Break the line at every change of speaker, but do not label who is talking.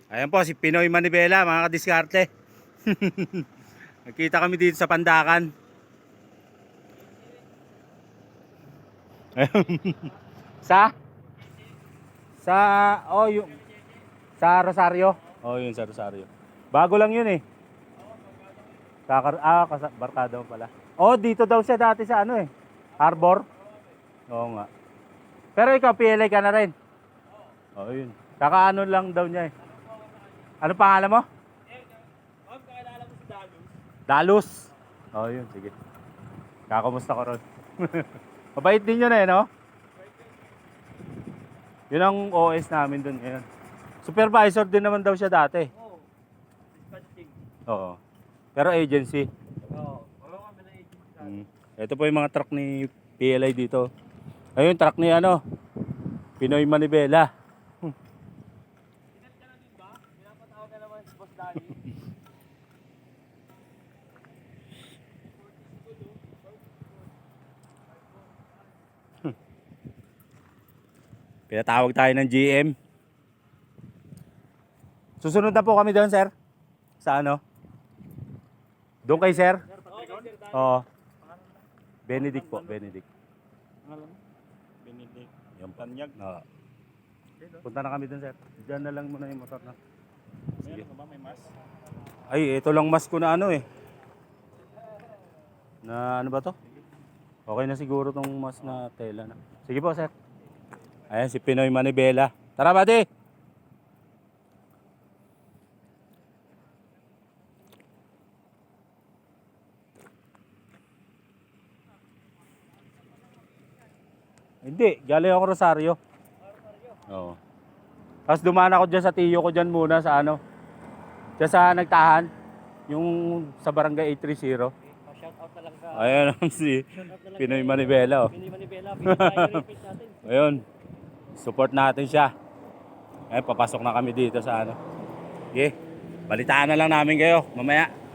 Ayan po si Pinoy Manibela, mga kadiskarte. Nagkita kami dito sa Pandakan. sa sa yung sa Rosario. Yun sa Rosario. Bago lang yun eh. Barkada mo pala. Dito daw siya dati sa Harbor. Oo nga. Pero ikaw PLA ka na rin. Yun. Kakaano lang daw niya eh. Ano pangalan mo?
Kakilala mo si Dalus.
Dalus. Yun, sige. Kakamusta ko ron. Mabait din yun no? Yun ang OS namin dun ngayon. Supervisor din naman daw siya dati.
Dispatching.
Oo. Pero agency.
Wala kami na agency.
Ito po yung mga truck ni PLI dito. Ayun, truck ni Pinoy Manibela.
Sikat ka na din ba? Pinapatawag ka naman si Boss Danny.
Pinatawag tayo ng GM. Susunod na po kami doon, sir. Sa ano? Doon kay sir? Oo. Benedict po, Benedict.
Benedict.
Yung Tanyag. Oo. Punta na kami doon, sir. Diyan na lang muna yung motor na. Sige.
Meron ka ba? May mas?
Ay, ito lang mas ko na Na ano ba to? Okay na siguro tong mas na tela na. Sige po, sir. Ayan si Pinoy Manibela. Tara, buddy! Hindi, galing ako Rosario. Oo. Tapos dumaan ako dyan sa tiyo ko dyan muna sa dyan sa Nagtahan. Yung sa barangay 830.
Shout out na lang sa
Ayan si Pinoy Manibela.
Pinoy Manibela. Pinag-repeat natin.
Ayun. Support natin siya. Papasok na kami dito sa Sige. Balitaan na lang namin kayo mamaya.